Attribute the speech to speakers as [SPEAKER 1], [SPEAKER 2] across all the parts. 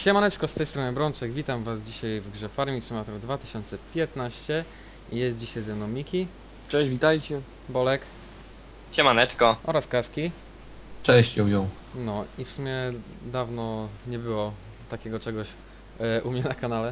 [SPEAKER 1] Siemaneczko, z tej strony Brączek, witam was dzisiaj w grze Farming Simulator 2015. Jest dzisiaj ze mną Miki,
[SPEAKER 2] Cześć, witajcie.
[SPEAKER 1] Bolek
[SPEAKER 3] Siemaneczko.
[SPEAKER 1] oraz Kaski.
[SPEAKER 4] Cześć, ją.
[SPEAKER 1] No i w sumie dawno nie było takiego czegoś u mnie na kanale.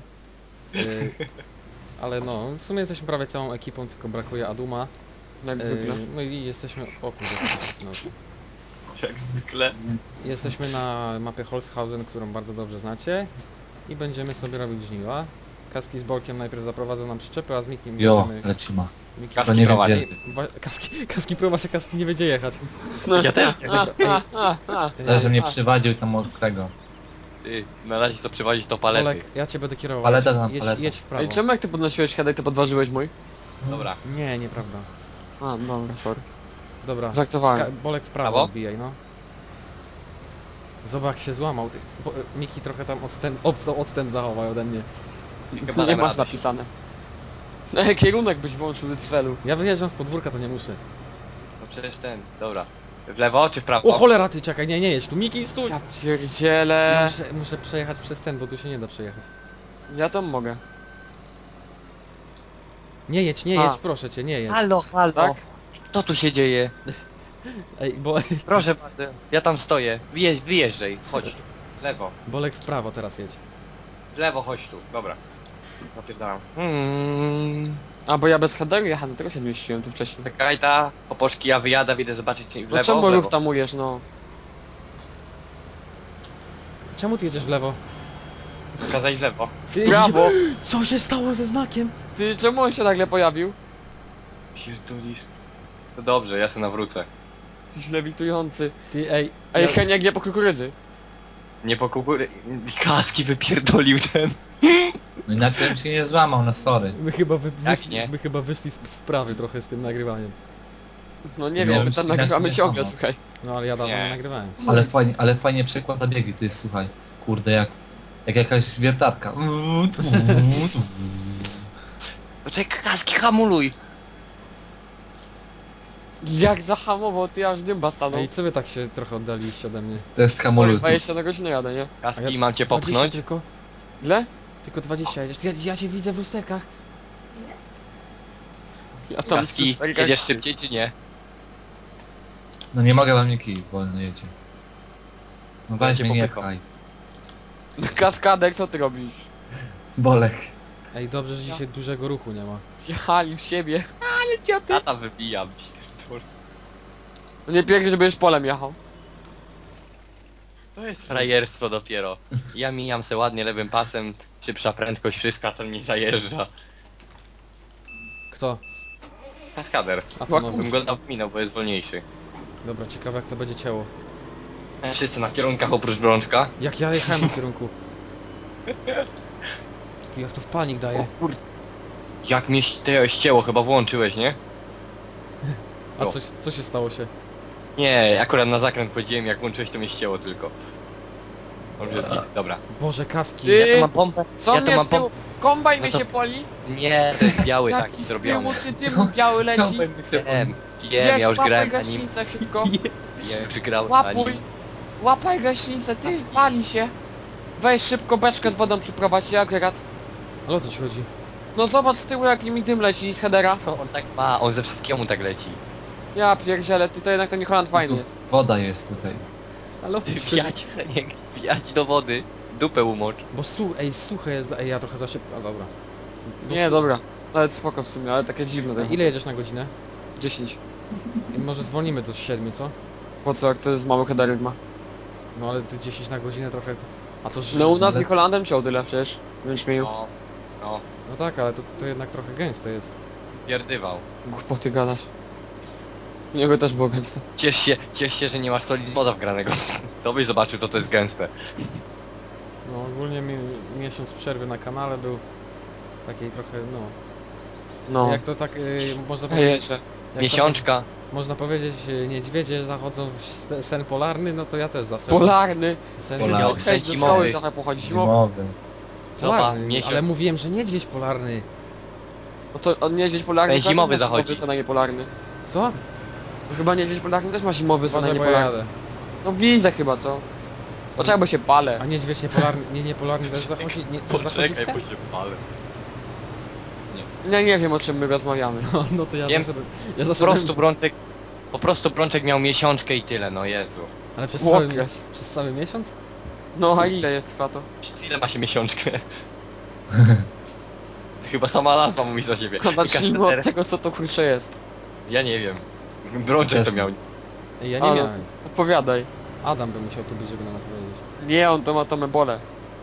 [SPEAKER 1] Ale no, w sumie jesteśmy prawie całą ekipą, tylko brakuje Aduma.
[SPEAKER 2] Jak zwykle.
[SPEAKER 1] No i jesteśmy... O kurde, co to jest znowu?
[SPEAKER 3] Jak zwykle.
[SPEAKER 1] Jesteśmy na mapie Holzhausen, którą bardzo dobrze znacie. I będziemy sobie robić żniwa. Kaski z Bolkiem najpierw zaprowadzą nam przyczepy, a z Mikim
[SPEAKER 4] Jo,
[SPEAKER 1] będziemy...
[SPEAKER 4] lecimy.
[SPEAKER 1] Miki,
[SPEAKER 3] Kaski
[SPEAKER 4] To nie wiem
[SPEAKER 3] prowadzi.
[SPEAKER 4] gdzie.
[SPEAKER 1] Kaski prowadzi, Kaski nie będzie jechać.
[SPEAKER 3] Ja też.
[SPEAKER 4] Zależy, że mnie przywadził tam od tego.
[SPEAKER 3] Ty, na razie co przywozić to palety.
[SPEAKER 1] Olek, ja cię będę kierował.
[SPEAKER 4] Paleta tam,
[SPEAKER 1] jedź,
[SPEAKER 4] paleta.
[SPEAKER 1] jedź w prawo.
[SPEAKER 2] Ej, czemu jak ty podnosiłeś headek, to podważyłeś mój?
[SPEAKER 3] Dobra.
[SPEAKER 1] Nie, nieprawda.
[SPEAKER 2] A, dobra, sorry.
[SPEAKER 1] Dobra.
[SPEAKER 2] Żartowałem.
[SPEAKER 1] Bolek w prawo
[SPEAKER 3] Prawo?
[SPEAKER 1] odbijaj, no. Zobacz, jak się złamał. Ty. Miki trochę tam odstęp zachował ode mnie.
[SPEAKER 3] Chyba
[SPEAKER 2] Nie
[SPEAKER 3] dam
[SPEAKER 2] masz
[SPEAKER 3] radę.
[SPEAKER 2] napisane. Ej, kierunek byś włączył do celu.
[SPEAKER 1] Ja wyjeżdżam z podwórka, to nie muszę.
[SPEAKER 3] No przecież ten, dobra. W lewo czy w prawo?
[SPEAKER 1] O cholera, ty czekaj, nie jedź tu. Miki, stój!
[SPEAKER 2] Ja pierdzielę.
[SPEAKER 1] Muszę przejechać przez ten, bo tu się nie da przejechać.
[SPEAKER 2] Ja tam mogę.
[SPEAKER 1] Nie jedź, proszę cię, nie jedź.
[SPEAKER 3] Halo, halo.
[SPEAKER 2] Tak?
[SPEAKER 3] Co tu się dzieje?
[SPEAKER 1] Ej,
[SPEAKER 3] Proszę bardzo. Ja tam stoję. Wyjeżdżaj. Chodź. W lewo.
[SPEAKER 1] Bolek w prawo teraz jedź.
[SPEAKER 3] W lewo chodź tu. Dobra. Napierdalam.
[SPEAKER 2] A, bo ja bez headeru jechałem, tego się zmieściłem tu wcześniej.
[SPEAKER 3] Czekaj ta. Popoczki ja wyjadę, idę zobaczyć w
[SPEAKER 2] No
[SPEAKER 3] lewo.
[SPEAKER 2] czemu
[SPEAKER 3] w lewo.
[SPEAKER 2] ruch tamujesz, no?
[SPEAKER 1] Czemu ty jedziesz w lewo?
[SPEAKER 3] Pokazać w lewo.
[SPEAKER 1] Ty,
[SPEAKER 2] Brawo!
[SPEAKER 1] Co się stało ze znakiem?
[SPEAKER 2] Ty, czemu on się nagle pojawił?
[SPEAKER 3] Pierdolisz. To dobrze, ja se nawrócę.
[SPEAKER 2] Jesteś lewitujący.
[SPEAKER 1] Ty, ej.
[SPEAKER 2] Ej, Heniak nie po kukurydzy.
[SPEAKER 3] Nie po kukury... Kaski wypierdolił ten.
[SPEAKER 4] No inaczej bym się nie złamał, no sorry.
[SPEAKER 1] My chyba,
[SPEAKER 3] Jak nie?
[SPEAKER 1] my chyba wyszli z wprawy trochę z tym nagrywaniem.
[SPEAKER 2] No nie
[SPEAKER 4] No,
[SPEAKER 2] wiem, my
[SPEAKER 4] myślę,
[SPEAKER 2] tam
[SPEAKER 4] że
[SPEAKER 2] nagrywamy
[SPEAKER 4] nie
[SPEAKER 2] ciągle,
[SPEAKER 4] samo.
[SPEAKER 2] słuchaj.
[SPEAKER 1] No ale ja dawno nie
[SPEAKER 3] Nie.
[SPEAKER 1] nagrywałem.
[SPEAKER 4] Ale fajnie przykłada biegi, ty słuchaj. Kurde, jak jakaś wiertatka.
[SPEAKER 3] Poczekaj, Kaski hamuluj.
[SPEAKER 2] Jak zahamował, ty aż dymba stanął.
[SPEAKER 1] Ej, co wy tak się trochę oddaliście ode mnie?
[SPEAKER 4] To jest
[SPEAKER 2] Sorry,
[SPEAKER 4] hamulec.
[SPEAKER 2] 20 na godzinę jadę, nie?
[SPEAKER 3] Kaski, mam cię
[SPEAKER 1] 20
[SPEAKER 3] popchnąć?
[SPEAKER 1] tylko,
[SPEAKER 2] Ile?
[SPEAKER 1] tylko 20 jedziesz. Ja cię widzę w lusterkach.
[SPEAKER 2] Ja tam
[SPEAKER 3] Kaski,
[SPEAKER 2] przy sterkach-
[SPEAKER 3] jedziesz szybciej czy nie?
[SPEAKER 4] No nie mogę wam Niki, wolno jedzie. No weź
[SPEAKER 3] cię
[SPEAKER 4] mnie, nie
[SPEAKER 3] popychał.
[SPEAKER 4] pchaj.
[SPEAKER 2] Kaskadek, co ty robisz?
[SPEAKER 4] Bolek.
[SPEAKER 1] Ej, dobrze, że dzisiaj dużego ruchu nie ma.
[SPEAKER 2] Jechali w siebie. Ale cioty.
[SPEAKER 3] Tata wybijam.
[SPEAKER 2] No nie pięknie, że będziesz polem jechał.
[SPEAKER 3] To jest frajerstwo dopiero. Ja mijam se ładnie lewym pasem, szybsza prędkość, wszystko, to mi zajeżdża.
[SPEAKER 1] Kto?
[SPEAKER 3] Kaskader.
[SPEAKER 1] A to
[SPEAKER 2] Łaku-
[SPEAKER 1] nowy.
[SPEAKER 3] Bym go dał minął, bo jest wolniejszy.
[SPEAKER 1] Dobra, ciekawe jak to będzie ciało.
[SPEAKER 3] Wszyscy na kierunkach oprócz Brączka.
[SPEAKER 1] Jak ja jechałem na kierunku. Tu jak to w panik daje.
[SPEAKER 3] Jak mnie ścięło, chyba włączyłeś, nie?
[SPEAKER 1] A
[SPEAKER 3] No.
[SPEAKER 1] co się stało się?
[SPEAKER 3] Nie, akurat na zakręt chodziłem, jak włączyłeś to mnie ścięło tylko. Dobrze, dobra.
[SPEAKER 1] Boże, kaski.
[SPEAKER 2] Ty-
[SPEAKER 3] Ja tu mam pompę.
[SPEAKER 2] Co
[SPEAKER 3] Ja tu
[SPEAKER 2] mnie
[SPEAKER 3] mam
[SPEAKER 2] z tyłu?
[SPEAKER 3] pompę.
[SPEAKER 2] Kombajn
[SPEAKER 3] No
[SPEAKER 2] mnie
[SPEAKER 3] to-
[SPEAKER 2] się poli?
[SPEAKER 3] Nie, to jest biały
[SPEAKER 2] Jaki
[SPEAKER 3] taki
[SPEAKER 2] z
[SPEAKER 3] zrobiony.
[SPEAKER 2] tyłu, ty biały leci?
[SPEAKER 3] Wiem, ja już
[SPEAKER 2] łapaj
[SPEAKER 3] grałem na nim.
[SPEAKER 2] gaśnicę szybko.
[SPEAKER 3] Ja już grałem na
[SPEAKER 2] Łapuj.
[SPEAKER 3] nim.
[SPEAKER 2] Łapaj gaśnicę, ty, pali się. Weź szybko beczkę z wodą przyprowadź, jak rad.
[SPEAKER 1] Ale o co ci chodzi?
[SPEAKER 2] No zobacz z tyłu jaki mi dym leci z headera.
[SPEAKER 3] No, on tak ma, on ze wszystkiemu tak leci.
[SPEAKER 2] Ja pierdzielę, ty to jednak ten New Holland fajny
[SPEAKER 4] Tu
[SPEAKER 2] jest.
[SPEAKER 4] woda jest tutaj.
[SPEAKER 1] Ale o co
[SPEAKER 3] Ty
[SPEAKER 1] ci chodzi?
[SPEAKER 3] pijać do wody. Dupę umocz.
[SPEAKER 1] Bo suche jest. Ej, ja trochę za szybko. A dobra. Bo
[SPEAKER 2] Nie, dobra. Nawet spoko w sumie, ale takie dziwne.
[SPEAKER 1] Ej, ile jedziesz na godzinę?
[SPEAKER 2] 10.
[SPEAKER 1] I może zwolnimy do 7, co?
[SPEAKER 2] Po co, jak to jest mały headerek ma?
[SPEAKER 1] No ale ty 10 na godzinę trochę... A to...
[SPEAKER 2] No u nas
[SPEAKER 4] Ale-
[SPEAKER 2] New Hollandem ciął tyle przecież. Więc mi
[SPEAKER 3] No, no,
[SPEAKER 1] No tak, ale to jednak trochę gęste jest.
[SPEAKER 3] pierdywał.
[SPEAKER 2] głupoty gadasz. U niego też było gęste.
[SPEAKER 3] Ciesz się, że nie masz solid moda wgranego. To byś zobaczył, co to jest gęste.
[SPEAKER 1] No ogólnie miesiąc przerwy na kanale był... Takiej trochę, no...
[SPEAKER 2] No.
[SPEAKER 1] Jak to tak można powiedzieć...
[SPEAKER 2] Zajeżdżę.
[SPEAKER 1] jak
[SPEAKER 3] Miesiączka.
[SPEAKER 1] To, można powiedzieć, niedźwiedzie zachodzą w sen polarny, no to ja też zasen.
[SPEAKER 2] Polarny.
[SPEAKER 1] Sen
[SPEAKER 4] Polarny.
[SPEAKER 3] Miał
[SPEAKER 2] Hej,
[SPEAKER 3] sen
[SPEAKER 2] do
[SPEAKER 3] zimowy.
[SPEAKER 2] szkoły trochę pochodzi. Zimowy.
[SPEAKER 4] Zimowy.
[SPEAKER 3] Zobacz,
[SPEAKER 1] Polarny,
[SPEAKER 3] miesiąc.
[SPEAKER 1] ale mówiłem, że niedźwiedź polarny.
[SPEAKER 2] No to on niedźwiedź polarny
[SPEAKER 3] Ten
[SPEAKER 2] to
[SPEAKER 3] zimowy
[SPEAKER 2] też ma
[SPEAKER 3] zachodzi.
[SPEAKER 2] zimowy sen, a nie polarny.
[SPEAKER 1] Co?
[SPEAKER 2] No chyba niedźwiedź polarny też ma zimowy sen, a
[SPEAKER 1] Uważaj,
[SPEAKER 2] nie
[SPEAKER 1] bo ja
[SPEAKER 2] polarny.
[SPEAKER 1] jadę.
[SPEAKER 2] No widzę chyba, co? Poczekaj, bo się palę.
[SPEAKER 1] A niedźwiedź niepolarny też zachodzi? Nie, też zachodzi w
[SPEAKER 3] Poczekaj,
[SPEAKER 1] sen?
[SPEAKER 3] bo się palę.
[SPEAKER 2] Nie wiem o czym my rozmawiamy.
[SPEAKER 1] No to ja
[SPEAKER 3] Wiem.
[SPEAKER 1] zaszedłem...
[SPEAKER 3] Po prostu Brączek... Po prostu Brączek miał miesiączkę i tyle, no Jezu.
[SPEAKER 1] Ale przez
[SPEAKER 2] Okres.
[SPEAKER 1] przez cały miesiąc?
[SPEAKER 2] No a ile jest trwa to?
[SPEAKER 3] Przez ile ma się miesiączkę? Chyba sama nazwa mówi za siebie.
[SPEAKER 2] Zacznijmy od tego co to kurczę jest.
[SPEAKER 3] Ja nie wiem. Brączek to
[SPEAKER 4] Jasne.
[SPEAKER 3] miał.
[SPEAKER 1] Ej, ja nie
[SPEAKER 2] Ale-
[SPEAKER 1] miałem.
[SPEAKER 2] Opowiadaj.
[SPEAKER 1] Adam by musiał tu być, żeby nam opowiedzieć.
[SPEAKER 2] Nie, on to ma tą ebolę.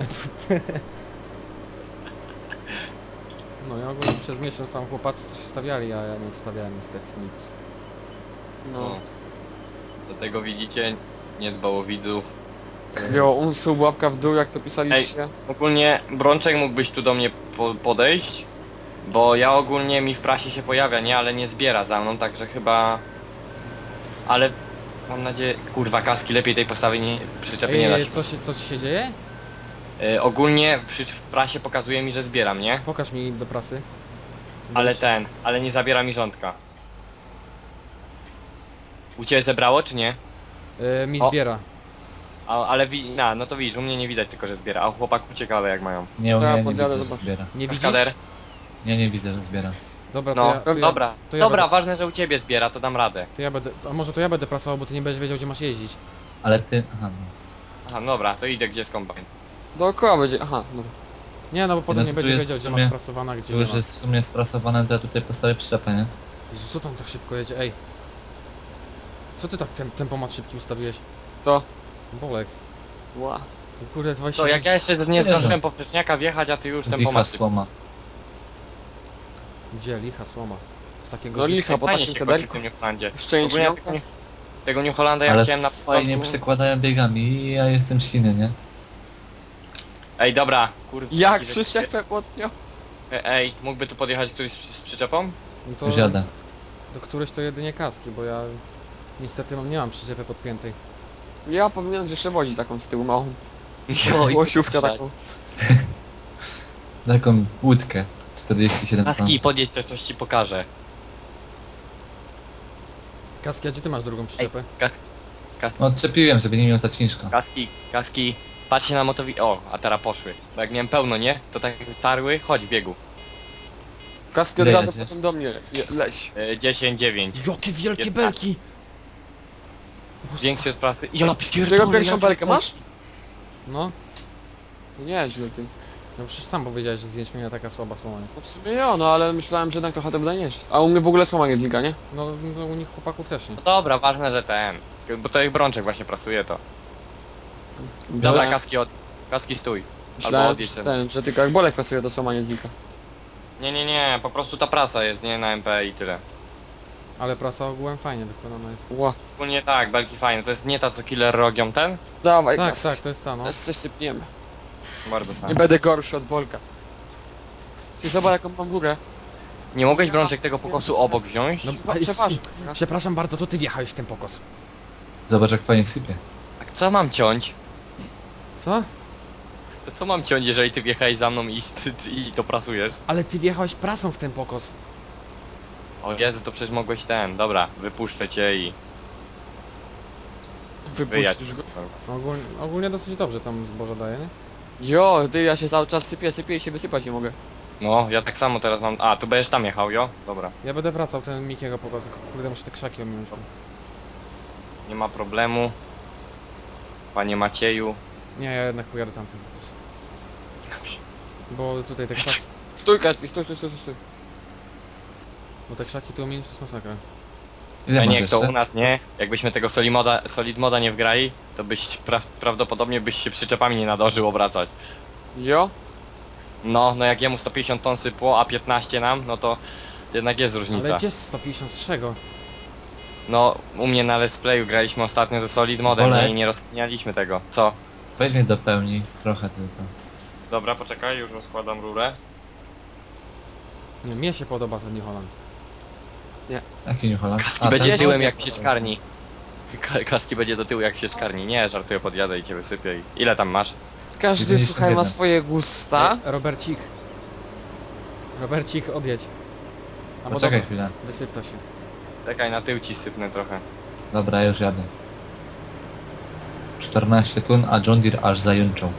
[SPEAKER 1] No i ogólnie przez miesiąc tam chłopacy coś wstawiali, a ja nie wstawiałem niestety nic.
[SPEAKER 2] No.
[SPEAKER 3] No. Do tego widzicie, nie dbał o widzów.
[SPEAKER 2] Jo, unsub, łapka w dół jak to pisaliście.
[SPEAKER 3] Ogólnie Brączek mógłbyś tu do mnie podejść, bo ja ogólnie mi w prasie się pojawia, nie? Ale nie zbiera za mną, także chyba... Ale mam nadzieję... Kurwa, kaski lepiej tej postawy nie... przyczepy nie da się.
[SPEAKER 1] Co ci się dzieje?
[SPEAKER 3] Ogólnie w prasie pokazuje mi, że zbieram, nie?
[SPEAKER 1] Pokaż mi do prasy.
[SPEAKER 3] Ale ale nie zabiera mi rządka. U ciebie zebrało, czy nie?
[SPEAKER 1] Mi
[SPEAKER 3] O.
[SPEAKER 1] zbiera.
[SPEAKER 3] Ale no to widzisz, u mnie nie widać tylko, że zbiera, a u chłopaków ciekawe jak mają.
[SPEAKER 4] Nie,
[SPEAKER 2] To ja
[SPEAKER 4] ja nie
[SPEAKER 2] podjadę,
[SPEAKER 4] widzę, że
[SPEAKER 2] zobacz.
[SPEAKER 4] zbiera.
[SPEAKER 1] Nie widzisz?
[SPEAKER 3] Kaskader?
[SPEAKER 4] Nie widzę, że zbiera.
[SPEAKER 1] Dobra,
[SPEAKER 3] No,
[SPEAKER 1] to ja,
[SPEAKER 3] dobra,
[SPEAKER 1] to ja
[SPEAKER 3] dobra,
[SPEAKER 1] będę-
[SPEAKER 3] ważne, że u ciebie zbiera, to dam radę.
[SPEAKER 1] To ja będę... A może to ja będę prasował, bo ty nie będziesz wiedział, gdzie masz jeździć.
[SPEAKER 4] Ale ty... Aha, no.
[SPEAKER 3] Aha, dobra, to idę, gdzie jest kombajn.
[SPEAKER 2] Dookoła będzie, aha, dobra.
[SPEAKER 1] Nie, no bo potem
[SPEAKER 4] No
[SPEAKER 1] nie
[SPEAKER 4] tu
[SPEAKER 1] będzie
[SPEAKER 4] jest
[SPEAKER 1] wiedział,
[SPEAKER 4] w
[SPEAKER 1] gdzie
[SPEAKER 4] sumie-
[SPEAKER 1] masz prasowana, gdzie
[SPEAKER 4] Tu
[SPEAKER 1] nie
[SPEAKER 4] już
[SPEAKER 1] ma.
[SPEAKER 4] jest w sumie sprasowane, to ja tutaj postawię przyczepę, nie?
[SPEAKER 1] Jezu, co tam tak szybko jedzie? Ej! Co ty tak tempomat szybki ustawiłeś?
[SPEAKER 2] To.
[SPEAKER 1] Bolek.
[SPEAKER 2] Ła.
[SPEAKER 1] Kurde, 20...
[SPEAKER 3] To jak ja jeszcze nie
[SPEAKER 4] Nie
[SPEAKER 3] zdążyłem poprzeczniaka wjechać, a ty już ten
[SPEAKER 4] Licha
[SPEAKER 3] pomocy.
[SPEAKER 4] słoma.
[SPEAKER 1] Gdzie? Licha słoma. Z takiego...
[SPEAKER 2] No
[SPEAKER 1] zi-
[SPEAKER 2] licha, po
[SPEAKER 3] Fajnie
[SPEAKER 2] takim
[SPEAKER 3] się chodzi w
[SPEAKER 2] kadelku.
[SPEAKER 3] tym New Holandzie.
[SPEAKER 2] Jeszcze nie
[SPEAKER 3] Ogólnie
[SPEAKER 2] śmiałka?
[SPEAKER 3] tego New Hollanda ja
[SPEAKER 4] Ale
[SPEAKER 3] chciałem na
[SPEAKER 4] fajnie
[SPEAKER 3] początku-
[SPEAKER 4] przekładają biegami i ja jestem silny, nie?
[SPEAKER 3] Ej, dobra, kurde.
[SPEAKER 2] Jak
[SPEAKER 3] że-
[SPEAKER 2] przyczepę podnią?
[SPEAKER 3] Ej, mógłby tu podjechać któryś z przyczepą?
[SPEAKER 1] No to
[SPEAKER 4] Już jadę.
[SPEAKER 1] do któreś to jedynie kaski, bo ja... Niestety nie mam przyczepy podpiętej.
[SPEAKER 2] Ja powinienem jeszcze wozić taką z tyłu małą.
[SPEAKER 3] No i
[SPEAKER 2] Łosiówkę
[SPEAKER 3] tak.
[SPEAKER 2] taką.
[SPEAKER 4] Taką łódkę. 47 ton.
[SPEAKER 3] Kaski, podjedź, to coś ci pokażę.
[SPEAKER 1] Kaski, a gdzie ty masz drugą przyczepę?
[SPEAKER 4] No odczepiłem, żeby nie miał ta ciężka.
[SPEAKER 3] Kaski, patrzcie na motowi... O, a teraz poszły. Bo jak miałem pełno, nie? To tak tarły, chodź w biegu.
[SPEAKER 2] Kaski od
[SPEAKER 4] Ile
[SPEAKER 2] razu
[SPEAKER 4] jedziesz?
[SPEAKER 2] potem do mnie. Leś.
[SPEAKER 3] 10-9.
[SPEAKER 1] Jakie wielkie
[SPEAKER 3] Jest
[SPEAKER 1] belki!
[SPEAKER 3] Większy z prasy. Ja
[SPEAKER 2] Tego
[SPEAKER 3] pierdolę,
[SPEAKER 2] pierwszą
[SPEAKER 3] jakie
[SPEAKER 2] belkę masz?
[SPEAKER 1] No,
[SPEAKER 2] To nie źle ty.
[SPEAKER 1] no przecież sam powiedziałeś, że z jęczmienia taka słaba słoma jest.
[SPEAKER 2] No w sumie ja, no ale myślałem, że jednak trochę to wydajniejsze. A u mnie w ogóle słoma nie znika, nie?
[SPEAKER 1] No u nich chłopaków też nie.
[SPEAKER 3] No dobra, ważne, że ten. Bo to ich Brączek właśnie prasuje to. Dobra,
[SPEAKER 2] Myślałem-
[SPEAKER 3] kaski stój.
[SPEAKER 2] Myślałem,
[SPEAKER 3] odjedź
[SPEAKER 2] że
[SPEAKER 3] ten.
[SPEAKER 2] ten, że tylko jak bolek pasuje, to słoma nie znika.
[SPEAKER 3] Nie, po prostu ta prasa jest, nie? Na MP i tyle.
[SPEAKER 1] Ale prasa ogółem fajnie wykonana jest.
[SPEAKER 2] Ła.
[SPEAKER 3] Ogólnie tak, belki fajne. To jest nie ta co killer rogią ten?
[SPEAKER 2] Dawaj
[SPEAKER 1] Tak,
[SPEAKER 2] kaski.
[SPEAKER 1] tak, to jest ta, no.
[SPEAKER 2] Teraz coś sypniemy.
[SPEAKER 3] Bardzo
[SPEAKER 2] Nie
[SPEAKER 3] fajne.
[SPEAKER 2] będę gorszy od bolka. Ty zobacz jaką mam górę.
[SPEAKER 3] Nie mogłeś Brączek tego pokosu obok wziąć?
[SPEAKER 1] No,
[SPEAKER 2] No, przepraszam.
[SPEAKER 1] Przepraszam bardzo, to ty wjechałeś w ten pokos.
[SPEAKER 4] Zobacz jak fajnie sypie.
[SPEAKER 3] A co mam ciąć?
[SPEAKER 1] Co?
[SPEAKER 3] To co mam ciąć, jeżeli ty wjechałeś za mną i to prasujesz?
[SPEAKER 1] Ale ty wjechałeś prasą w ten pokos.
[SPEAKER 3] O Jezu, to przecież mogłeś ten. Dobra, wypuszczę cię i wyjadź.
[SPEAKER 2] Wypuścisz go.
[SPEAKER 1] Ogólnie dosyć dobrze tam zboże daje, nie?
[SPEAKER 2] Jo, ty, ja się cały czas sypię i się wysypać nie mogę.
[SPEAKER 3] No, ja tak samo teraz mam... A, tu będziesz tam jechał, jo? Dobra.
[SPEAKER 1] Ja będę wracał ten Mikiego pokos, tylko kurde muszę te krzaki ominąć tam.
[SPEAKER 3] Nie ma problemu. Panie Macieju.
[SPEAKER 1] Nie, ja jednak pojadę tamten pokos. Bo tutaj te krzaki,
[SPEAKER 2] Stój kaski, stój.
[SPEAKER 1] bo te krzaki tu ominąć to jest masakra.
[SPEAKER 4] Ile
[SPEAKER 3] A
[SPEAKER 4] masz
[SPEAKER 3] nie, jak to
[SPEAKER 4] jeszcze?
[SPEAKER 3] u nas, nie? Jakbyśmy tego solid moda nie wgrali, to byś prawdopodobnie byś się przyczepami nie nadążył obracać.
[SPEAKER 2] Jo?
[SPEAKER 3] No jak jemu 150 ton sypło, a 15 nam, no to jednak jest różnica.
[SPEAKER 1] Ale gdzie 150 z czego?
[SPEAKER 3] No, u mnie na let's playu graliśmy ostatnio ze solid modem,
[SPEAKER 4] Bolek.
[SPEAKER 3] nie? I nie rozkminialiśmy tego. Co?
[SPEAKER 4] Weź mnie do pełni, trochę tylko.
[SPEAKER 3] Dobra, poczekaj, już rozkładam rurę.
[SPEAKER 1] Nie, mnie się podoba ten New Holland.
[SPEAKER 4] Jaki New Holland?
[SPEAKER 3] Kaski będzie
[SPEAKER 4] ten?
[SPEAKER 3] tyłem jak w sieczkarni. Kaski będzie do tyłu jak w sieczkarni. Nie, żartuję, podjadę i cię wysypię i... Ile tam masz?
[SPEAKER 2] Każdy,
[SPEAKER 4] 91.
[SPEAKER 2] słuchaj, ma swoje gusta.
[SPEAKER 1] Robercik. Robercik, odjedź. Albo
[SPEAKER 4] Poczekaj
[SPEAKER 1] dobra,
[SPEAKER 4] chwilę.
[SPEAKER 1] wysyp to się.
[SPEAKER 3] Czekaj, na tył ci sypnę trochę.
[SPEAKER 4] Dobra, już jadę. 14 tun, a John Deere aż zajęczał.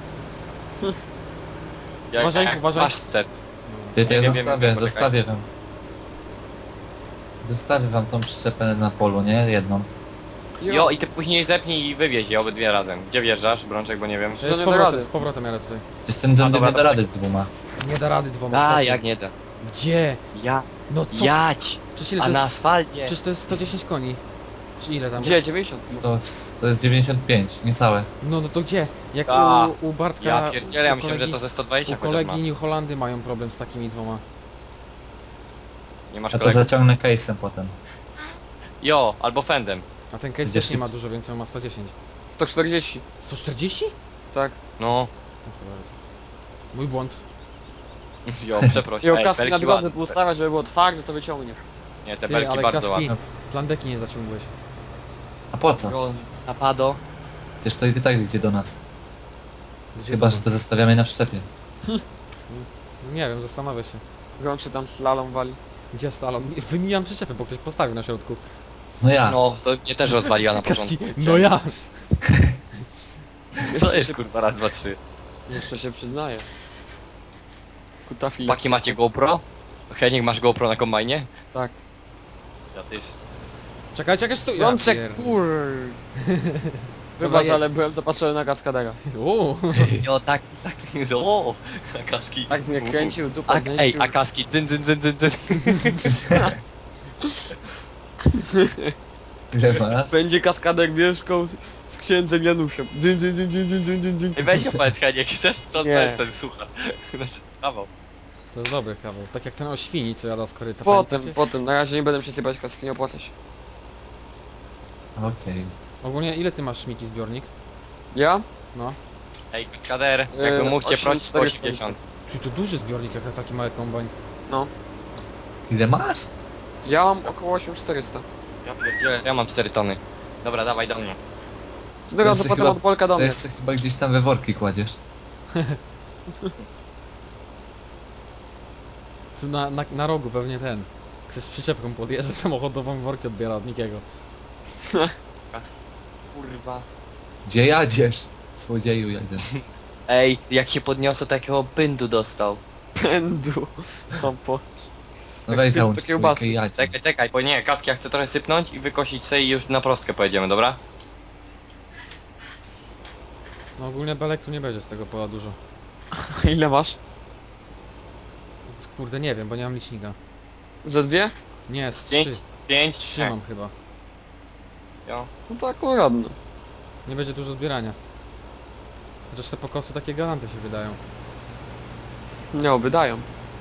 [SPEAKER 1] Uważaj,
[SPEAKER 3] jak
[SPEAKER 1] uważaj.
[SPEAKER 3] pasztet.
[SPEAKER 4] Ty, to ja
[SPEAKER 3] Wiem,
[SPEAKER 4] zostawię,
[SPEAKER 3] wiem,
[SPEAKER 4] zostawię wam. Zostawię wam tą przyczepę na polu, nie? Jedną.
[SPEAKER 3] Jo, i ty później zepnij i wywieź je obydwie razem. Gdzie wjeżdżasz, Brączek, bo nie wiem.
[SPEAKER 2] To nie da
[SPEAKER 1] powrotem,
[SPEAKER 2] rady.
[SPEAKER 1] z powrotem jadę tutaj.
[SPEAKER 4] Przecież ten John Deere
[SPEAKER 3] dobra,
[SPEAKER 4] nie da rady z dwoma.
[SPEAKER 1] Nie da rady dwoma. co
[SPEAKER 3] A,
[SPEAKER 1] ty?
[SPEAKER 3] jak nie da.
[SPEAKER 1] Gdzie?
[SPEAKER 3] Ja,
[SPEAKER 1] No co?
[SPEAKER 3] jać!
[SPEAKER 1] Przecież ile
[SPEAKER 3] A
[SPEAKER 1] to
[SPEAKER 3] na
[SPEAKER 1] jest?
[SPEAKER 3] asfalcie.
[SPEAKER 1] Przecież to jest 110 koni. Czy ile tam?
[SPEAKER 2] Gdzie? 90?
[SPEAKER 4] To jest 95, niecałe.
[SPEAKER 1] No to gdzie? Jak
[SPEAKER 3] A,
[SPEAKER 1] u Bartka...
[SPEAKER 3] Ja pierdzielę, ja
[SPEAKER 1] u
[SPEAKER 3] myślałem, że to ze 120
[SPEAKER 1] U
[SPEAKER 3] chociaż
[SPEAKER 1] kolegi
[SPEAKER 3] ma.
[SPEAKER 1] New Holandy mają problem z takimi dwoma.
[SPEAKER 3] Nie masz
[SPEAKER 4] Ja to
[SPEAKER 3] kolegów?
[SPEAKER 4] zaciągnę case'em potem.
[SPEAKER 3] Jo, albo fendem.
[SPEAKER 1] A ten case
[SPEAKER 4] Gdzie
[SPEAKER 1] też nie
[SPEAKER 4] szybciej?
[SPEAKER 1] ma dużo, więc on ma 110.
[SPEAKER 2] 140.
[SPEAKER 1] 140?
[SPEAKER 2] Tak.
[SPEAKER 3] No.
[SPEAKER 1] Mój błąd.
[SPEAKER 3] Jo, przepraszam.
[SPEAKER 2] Jo,
[SPEAKER 3] Ej,
[SPEAKER 2] kaski na
[SPEAKER 3] belki
[SPEAKER 2] drodze
[SPEAKER 3] ładne.
[SPEAKER 2] ustawiać, żeby było twarde, to wyciągniesz.
[SPEAKER 3] Nie, te
[SPEAKER 1] Ty,
[SPEAKER 3] belki
[SPEAKER 1] ale
[SPEAKER 3] bardzo
[SPEAKER 1] kaski,
[SPEAKER 3] ładne.
[SPEAKER 1] plandeki nie zaciągłeś.
[SPEAKER 4] A po co?
[SPEAKER 3] Jo, napado.
[SPEAKER 4] Przecież to i tak idzie do nas.
[SPEAKER 1] Gdzie
[SPEAKER 4] Chyba,
[SPEAKER 1] to?
[SPEAKER 4] że to zostawiamy na przyczepie.
[SPEAKER 1] Nie wiem, zastanawiam się.
[SPEAKER 2] Grączy tam slalom wali.
[SPEAKER 1] Gdzie slalom? Wymijam przyczepę, bo ktoś postawił na środku.
[SPEAKER 4] No ja.
[SPEAKER 3] No, to mnie też rozwaliła na
[SPEAKER 1] Kaski,
[SPEAKER 3] początku.
[SPEAKER 1] no ja!
[SPEAKER 3] To jest kurwa raz, dwa, trzy.
[SPEAKER 2] Jeszcze się przyznaję. Kutafi.
[SPEAKER 3] Paki macie GoPro? Heniek, masz GoPro na kombajnie?
[SPEAKER 2] Tak.
[SPEAKER 3] Ja też.
[SPEAKER 1] Czekajcie, jak stój!
[SPEAKER 2] Rączek,
[SPEAKER 1] pierd-
[SPEAKER 2] kur...
[SPEAKER 1] Dobra,
[SPEAKER 2] Wybacz,
[SPEAKER 1] jedź.
[SPEAKER 2] ale byłem zapatrzony na kaskadera.
[SPEAKER 1] Uuu.
[SPEAKER 3] Jo, tak, o, a kaski.
[SPEAKER 2] Tak mnie kręcił, dupę
[SPEAKER 3] A,
[SPEAKER 2] kręcił.
[SPEAKER 3] ej, a kaski, dyn, dyn, dyn, dyn, dyn.
[SPEAKER 4] Ile masz?
[SPEAKER 2] Będzie kaskader mieszkał z księdzem Januszem. Dzyn, dzyn, dzyn, dzyn, dzyn, dzyn, dzyn, dzyn.
[SPEAKER 3] Ej, weź opowiedz Heniek, chcesz to
[SPEAKER 2] Nie.
[SPEAKER 3] ten słuchaj. Znaczy, kawał.
[SPEAKER 1] To jest dobry kawał. Tak jak ten o świni, co jadał z koryta.
[SPEAKER 2] Potem,
[SPEAKER 1] pamiętacie?
[SPEAKER 2] potem. Na razie nie będę przesypać kaski, nie opłaca się.
[SPEAKER 4] Okej.
[SPEAKER 1] Ogólnie ile ty masz Miki zbiornik?
[SPEAKER 2] Ja?
[SPEAKER 1] No.
[SPEAKER 3] Ej, kaskader, jakby mógł cię prosić po 80.
[SPEAKER 1] Czyli to duży zbiornik, jak taki mały kombajn.
[SPEAKER 2] No.
[SPEAKER 4] Ile masz?
[SPEAKER 2] Ja mam około 8400.
[SPEAKER 3] Ja pierdzielę, ja mam 4 tony. Dobra, dawaj do mnie.
[SPEAKER 2] Z tego co
[SPEAKER 4] jeszcze
[SPEAKER 2] potem
[SPEAKER 4] chyba-
[SPEAKER 2] od Polka do
[SPEAKER 4] To
[SPEAKER 2] mnie.
[SPEAKER 4] jeszcze chyba gdzieś tam we worki kładziesz.
[SPEAKER 1] Tu na rogu pewnie ten. Ktoś z przyczepką podjeżdża samochodową, worki odbiera od Mikiego.
[SPEAKER 3] Kurwa.
[SPEAKER 4] Gdzie jadziesz? Słodzieju jeden.
[SPEAKER 3] Ej, jak się podniosło, takiego pędu dostał.
[SPEAKER 2] Pędu. Tampo.
[SPEAKER 4] No
[SPEAKER 2] Jak
[SPEAKER 4] weź
[SPEAKER 2] ty-
[SPEAKER 4] załącz
[SPEAKER 2] to kiełbasy.
[SPEAKER 4] trójkę i jadź.
[SPEAKER 3] Czekaj, czekaj, bo nie, kaski ja chcę trochę sypnąć i wykosić sobie i już na prostkę pojedziemy, dobra?
[SPEAKER 1] No ogólnie belek tu nie będzie z tego pola dużo.
[SPEAKER 2] Ile masz?
[SPEAKER 1] Kurde, nie wiem, bo nie mam licznika.
[SPEAKER 2] Ze dwie?
[SPEAKER 1] Nie, z
[SPEAKER 3] 5,
[SPEAKER 1] 3.
[SPEAKER 3] 5,
[SPEAKER 1] 3 mam chyba.
[SPEAKER 3] Jo.
[SPEAKER 2] No to akurat no.
[SPEAKER 1] Nie będzie dużo zbierania. Chociaż te pokosy takie galanty się wydają.
[SPEAKER 2] Nie, wydają.